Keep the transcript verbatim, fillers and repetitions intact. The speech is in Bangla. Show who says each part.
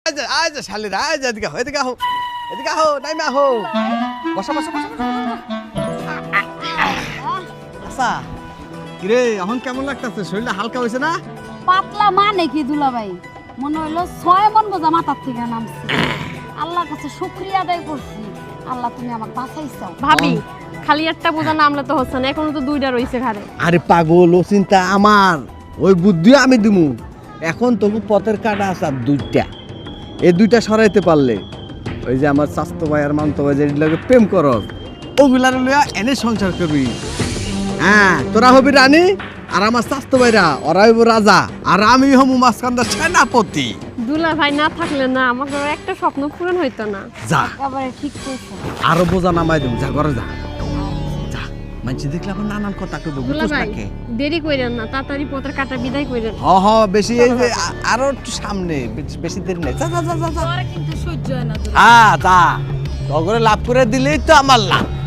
Speaker 1: আজ শালিরা আজ এদিকে হো এদিকে হো এদিকে হো নাইমা হো বসা বসা বসা আচ্ছা কিরে এখন কেমন লাগতেছে শরীরটা হালকা হয়েছে না
Speaker 2: পাতলা মানে কি দুলাভাই মনে হইলো ছয় মন বোঝা মাথার থেকে নামছে আল্লাহর কাছে শুকরিয়া আদায় করছি আল্লাহ তুমি আমাকে বাঁচাইছো
Speaker 3: ভাবি খালি একটা বোঝা নামলে তো হচ্ছে না এখনো তো দুইটা রইছে ঘাড়ে
Speaker 1: আরে পাগল ও চিন্তা আমার ওই বুদ্ধি আমি দিমু এখন তবু পথের কাটা আছে আর দুইটা এই দুইটা সরাইতে পারলে ওই যে আমার স্বাস্থ্য ভাই আর মান্ত ভাই যেগুলো প্রেম করস ওগুলার লইয়া এনে সংসার করবি হ্যাঁ তোরা হবি রানী আর আমার স্বাস্থ্য ভাইরা ওরা হইব রাজা আর আমি হমু মাঝখানটা সেনাপতি
Speaker 3: দুলা ভাই না থাকলে না আমাকে একটা স্বপ্ন পূরণ হইতো না
Speaker 1: যা
Speaker 2: একেবারে ঠিক কইছো
Speaker 1: আরো বোঝা নামাই দেব যা ঘরে যা যা মানুষ দেখলে আবার নানান কথা কইব
Speaker 3: দুলা
Speaker 1: বুঝছ
Speaker 3: ভাই
Speaker 1: নাকি
Speaker 3: দেরি কইরেন না তাড়াতাড়ি পত্র কাটা বিদায় কইরেন
Speaker 1: হ হ বেশি এই যে আ- আরো একটু সামনে বেশ- বেশি দেরি নাই যা যা যা যা যা
Speaker 2: কিন্তু সহ্য হয় না
Speaker 1: হ্যাঁ তা তগরে লাভ করে দিলেই তো আমার লাভ